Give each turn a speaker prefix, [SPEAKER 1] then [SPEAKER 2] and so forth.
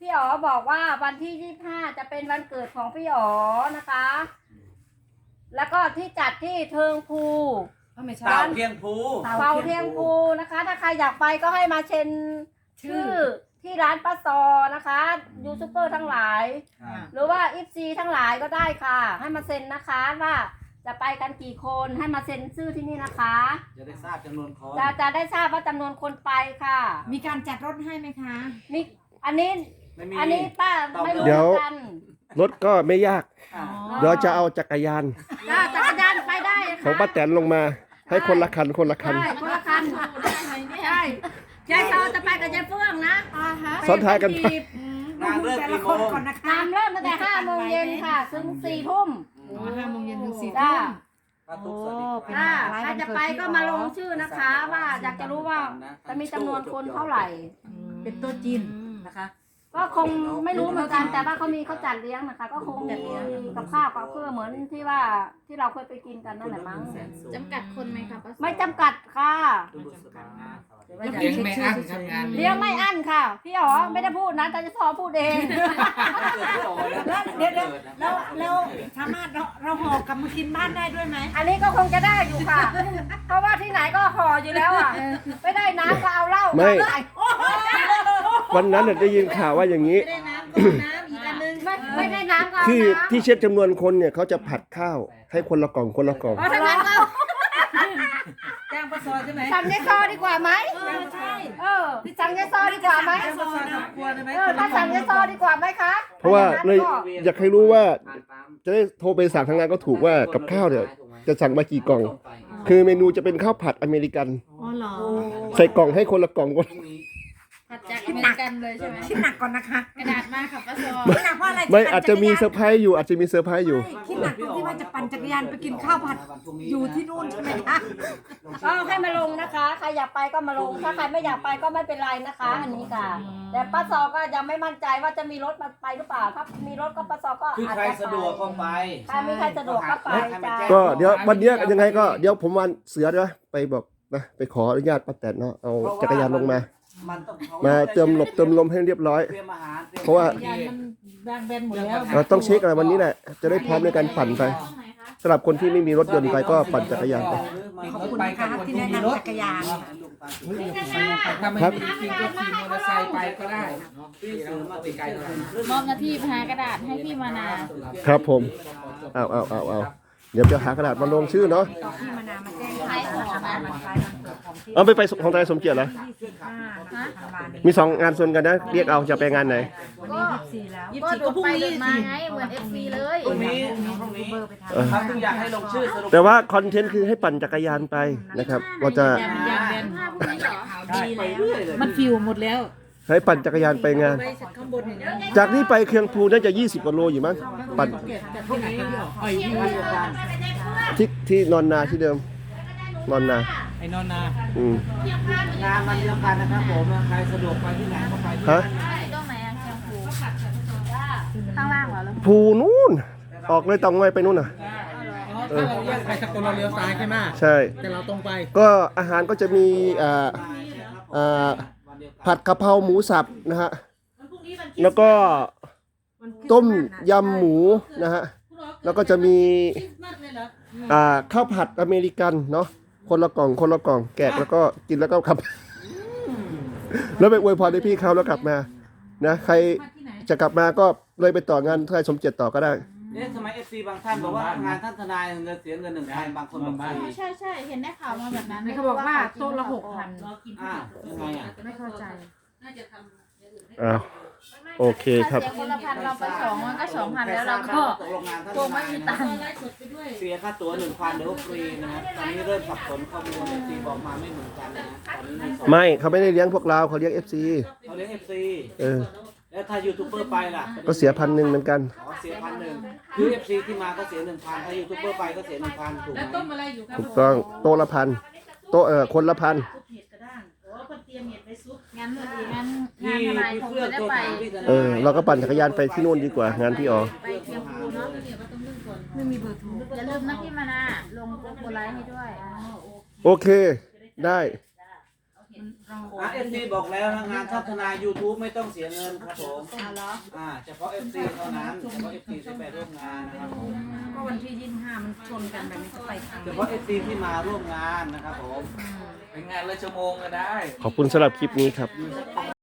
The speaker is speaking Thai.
[SPEAKER 1] พี่อ๋อบอกว่าวันที่25จะเป็นวันเกิดของพี่อ๋อนะคะ แล้วก็ที่จัดที่เทิงภู
[SPEAKER 2] เต่าเทียงภู
[SPEAKER 1] เฝ้าเทียงภูนะคะ ถ้าใครอยากไปก็ให้มาเซ็นชื่อที่ร้านป้าซอนะคะยูทูบเบอร์ทั้งหลาย หรือว่าอิฟซีทั้งหลายก็ได้ค่ะ ให้มาเซ็นนะคะว่าจะไปกันกี่คนให้มาเซ็นชื่อที่นี่นะคะ
[SPEAKER 2] จะได้ทราบจำนวนคน
[SPEAKER 1] จะได้ทราบว่าจำนวนคนไปค่ะ
[SPEAKER 3] มีการจัดรถให้ไหมคะ
[SPEAKER 1] นี่อันนี้
[SPEAKER 2] ไม่มี
[SPEAKER 1] อันนี้ป้าไม่รู้
[SPEAKER 4] เดี๋
[SPEAKER 1] เห
[SPEAKER 4] ยว
[SPEAKER 1] มือนกัน
[SPEAKER 4] รถก็ไม่ยาก
[SPEAKER 2] อ่า
[SPEAKER 4] เดี๋ยวจะเอาจักรยาน
[SPEAKER 1] จ้าจักรยานไปได้ค่ะ
[SPEAKER 4] ของป้าแตนลงมา ให้คนละคันคนละคัน
[SPEAKER 1] ใช่คนละคันใช่ยายซอจะไปกับยายเฟื่องนะ
[SPEAKER 4] ซ้อนท้ายกันไป
[SPEAKER 2] งานเริ่มกี่โมง
[SPEAKER 3] ก่อนนะคะ
[SPEAKER 1] งานเริ่มตั้งแต่5 โมงเย็นค่ะถึง4 ทุ่ม
[SPEAKER 3] 5 โมงเย็นถึง4
[SPEAKER 1] จ้า
[SPEAKER 3] ทุ่ม
[SPEAKER 2] ป้าตุ๊กสวัสดีครับ
[SPEAKER 1] ถ้าใครจะไปก็มาลงชื่อนะคะ ว่าอยากจะรู้ว่าจะมีจำนวนคนเท่าไหร่
[SPEAKER 3] เป็นโต๊ะจีนนะคะ
[SPEAKER 1] ก็คงไม่รู้เหมือนกันแต่ว่าเขาจัดเลี้ยงนะคะ ก็คงมีกับข้าวกับเครื่องเหมือนที่ว่าที่เราเคยไปกินกันนั่นแหละมั้ง
[SPEAKER 5] จำกัดคนไหมคะป้า
[SPEAKER 1] ไม่จำกัดค่ะ
[SPEAKER 6] เลี้ยงไม่อั้นครับงาน
[SPEAKER 1] เลี้ยงไม่อั้นค่ะ พี่อ๋อไม่ได้พูดนะแต่จะพอพูดเอง
[SPEAKER 3] เดี๋ยวแล้วสามารถเราห่อกลับมากินบ้านได้ด้วยไหม
[SPEAKER 1] อันนี้ก็คงจะได้อยู่ค่ะ เพราะว่าที่ไหนก็ห่ออยู่แล้วอ่ะไม่ได้น้ำก็เอาเหล้า
[SPEAKER 4] ไม่
[SPEAKER 1] เอา
[SPEAKER 4] วันนั้นน่ะได้ยินข่าวว่าอย่างนี้
[SPEAKER 3] ไม่ได้น้ำก็น้ำอีกอันนึง
[SPEAKER 1] ไม่ได้น้ำก็เอา
[SPEAKER 4] ที่
[SPEAKER 1] น้ำ
[SPEAKER 4] ที่เช็คจำนวนคนเนี่ยเขาจะผัดข้าวให้คนละกล่องคนละกล่อง
[SPEAKER 1] เพราะฉะนั้นก็
[SPEAKER 3] จ้างปลาซอยใช่ไหม
[SPEAKER 1] สั่งยายซอดีกว่าไหม
[SPEAKER 3] ใช่
[SPEAKER 1] สั่งยายซอดีกว่าไหม
[SPEAKER 3] ปลาซอยนะกลัวได้ไหม
[SPEAKER 1] ถ้าสั่งยายซอดีกว่าไหมคะ
[SPEAKER 4] เพราะว่าเลย
[SPEAKER 1] ถ้ง
[SPEAKER 4] อยากให้รู้ว่าจะได้โทรไปสั่งทางงานก็ถูกว่ากับข้าวเนี่ยจะสั่งมากี่กล่อง คือเมนูจะเป็นข้าวผัดอเมริกัน
[SPEAKER 3] อ๋อเหรอ
[SPEAKER 4] ใส่กล่องให้คนละกล่อง
[SPEAKER 5] ผัดจากอเมริกันเลยใช่ไหม
[SPEAKER 3] คิดหนักก่อนนะคะ
[SPEAKER 5] กระดาษมากค่ะป้าซอ
[SPEAKER 3] คิดหนักเพราะอะไร
[SPEAKER 4] ไม่อาจจะมีเซอร์ไพรส์อยู่อาจจะมีเซอร์ไพรส์อยู่
[SPEAKER 3] คิดหนักตรงที่ว่าจะปั่นจักรยานไปกินข้าวผัดอยู่ที่นู่นใช่ไหมคะ
[SPEAKER 1] ก็ให้มาลงนะคะใครอยากไปก็มาลงถ้าใครไม่อยากไปก็ไม่เป็นไรนะคะ อันนี้ค่ะ แต่ป้าซอก็ยังไม่มั่นใจว่าจะมีรถมาไปหรือเปล่าถ้ามีรถก็ป้าซอก็
[SPEAKER 2] คือ
[SPEAKER 1] อาจ
[SPEAKER 2] ใคร
[SPEAKER 1] จะ
[SPEAKER 2] สะดวกก็ไป
[SPEAKER 1] ถ้ามีใครสะดวกก็ไปจ้า
[SPEAKER 4] ก็เดี๋ยววันเนี้ยยังไงก็เดี๋ยวผมวันเสือด้วยไปบอกนะไปขออนุญาตป้าแตนเนาะเอาจักรยานลงมา
[SPEAKER 2] มันต้อง
[SPEAKER 4] มาเติมหลบเติมลมให้เรียบร้อย
[SPEAKER 2] เตรียมอาหารตยม
[SPEAKER 4] เพราะว่า
[SPEAKER 3] จักรยานมันแบงเบนหมดแล้ว
[SPEAKER 4] เราต้องเช็คอะไรวันนี้แหละจะได้พร้อมในการปั่นไป
[SPEAKER 5] ตรงไหนคะ
[SPEAKER 4] สำหรับคนที่ไม่มีรถยนต์ไปก็ปั่นจักรยานไป
[SPEAKER 3] ขอบคุณนะคะที่แนะนำจักรยาน
[SPEAKER 6] ถ้าไม่มีจริงก็ขี่มอเตอร์ไซค์ไปก็ได้ที่เรามาติดไกลเท่าไหร่
[SPEAKER 5] มอบหน้าที่หากระดาษให้พี่มานา
[SPEAKER 4] ครับผมเอาเดี๋ยวจะหากระดาษมาลงชื่อเนาะ
[SPEAKER 3] ที่มานามาแจ้ง
[SPEAKER 5] ใครขอมา
[SPEAKER 4] เอาไปของไทยสมเกียรติเหรอ
[SPEAKER 3] 25 ธันวาคม
[SPEAKER 4] มี2งานส่วนกันนะเรียกเอาจะไปงานไหน
[SPEAKER 3] วันนี้24แล้ว
[SPEAKER 5] ก็ดูไปเดินมาไงเหมือน FC เลย
[SPEAKER 2] พรุ่งนี้พรุ่งนี้ครับถึงอยากให้ลงชื่อสรุป
[SPEAKER 4] แต่ว่าคอนเทนต์คือให้ปั่นจักรยานไปนะครับเราจะ
[SPEAKER 5] ผ้าพวกนี้เหรอ
[SPEAKER 2] ดีไปเรื่อยเลย
[SPEAKER 3] มันฟิวหมดแล้ว
[SPEAKER 4] ให้ปั่นจักรยานไปงาน
[SPEAKER 3] ไปข้างบนอย่างนี้
[SPEAKER 4] จากนี้ไปเคียงภูน่าจะ20กว่าโลอยู่มั้งปั่น
[SPEAKER 3] แต่พวกนี้ไอ้ที่
[SPEAKER 4] ที่นอนนาที่เดิมนอนนา
[SPEAKER 6] ไอ้นอนนา
[SPEAKER 4] อืม
[SPEAKER 2] งานมันเดียวกันนะครับผมใครสะดวกไปที่ไหนก็ไปที่
[SPEAKER 4] ฮะ
[SPEAKER 5] ตรงไหนอะเชียงภูข้างล่างเหรอแล้ว
[SPEAKER 4] ภูนู่นออกเลยตองไว้ไปนู่นน่ะ
[SPEAKER 6] ถ้าเราเลี้ยวไปสกลเราเลี้ยวซ้ายใช่ไหม
[SPEAKER 4] ใช่
[SPEAKER 6] แต่เราตรงไป
[SPEAKER 4] ก็อาหารก็จะมีผัดกะเพราหมูสับนะฮะแล้วก็ต้มยำหมูนะฮะแล้วก็จะมีข้าวผัดอเมริกันเนาะคนละกล่องแกะแล้วก็กินแล้วก็ขับ แล้วไปอวยพรให้พี่เขาแล้วกลับมานะใครจะกลับมาก็เลยไปต่องานไทยสมเจ็ดต่อก็ได้
[SPEAKER 2] เนี่ยทำไม FC บางท่านบอกว่างานท่านทนายเงินเสียเงิน1,000บางคนบอกฟรี
[SPEAKER 5] ใช่ใช่เห็นได้ข่าวมาแบบนั้น
[SPEAKER 3] เขาบอกว่าโต๊ะละ 6,000
[SPEAKER 2] ยังไงอ่ะ
[SPEAKER 3] ไม่เข้าใจ
[SPEAKER 4] อ้าวโอเคครับ
[SPEAKER 5] เสียคนละพันเราไป2มันก็2,000แล้วเราก็
[SPEAKER 2] ตกลงงานท่าน
[SPEAKER 5] กลัวไม่มีตังค์
[SPEAKER 2] เสียค่าตั๋ว 1,000เดี๋ยวฟรีนะครับตอนนี้เริ่มสับสนข้อมูล FC บอกมาไม่เหมือนกันนะตอนนี้มีสอง
[SPEAKER 4] ไม่เขาไม่ได้เลี้ยงพวกเราเขาเลี้ยง FC
[SPEAKER 2] เขาเรียก FC
[SPEAKER 4] เออ
[SPEAKER 2] แล้วถ้ายูทูบเบอร์ไปล่ะ
[SPEAKER 4] ก็เสีย1,000เหมือนกัน
[SPEAKER 2] อ๋อเสีย1,100คือ FC ที่มาก็เสีย 1,000ถ้ายูทูบเบอร์ไปก็เสีย 1,000ถูกไหม
[SPEAKER 4] ถูกต้องโต๊ะละ1,000โต๊ะคนละ1,000
[SPEAKER 5] งั้นงานทนายคงจะได้ไป
[SPEAKER 4] เราก็ปั่นจักรยานไปที่นู่นดีกว่างานพี่อ๋อ
[SPEAKER 5] ไปเชียงภูเนาะ
[SPEAKER 3] ไม่มีเบอร์โทร
[SPEAKER 5] อย่าลืมนะพี่มานาลงโปรไลท์ให้ด้วย
[SPEAKER 4] โอเคได้
[SPEAKER 2] FC บอกแล้วนะงานทัศนา YouTube ไม่ต้องเสียเงินครับผม
[SPEAKER 3] เอาเหรอ
[SPEAKER 2] เฉพาะ FC เท่านั้นเฉพาะ FC ที่ไปร่วมงานนะครับผม
[SPEAKER 3] ก็วันที่25มันชนกันแบบนี้จะไปทาง
[SPEAKER 2] เฉพาะ FC ที่มาร่วมงานนะครับผม
[SPEAKER 6] เป็นงานละชั่วโมงก็ได้
[SPEAKER 4] ขอบคุณสำหรับคลิปนี้ครับ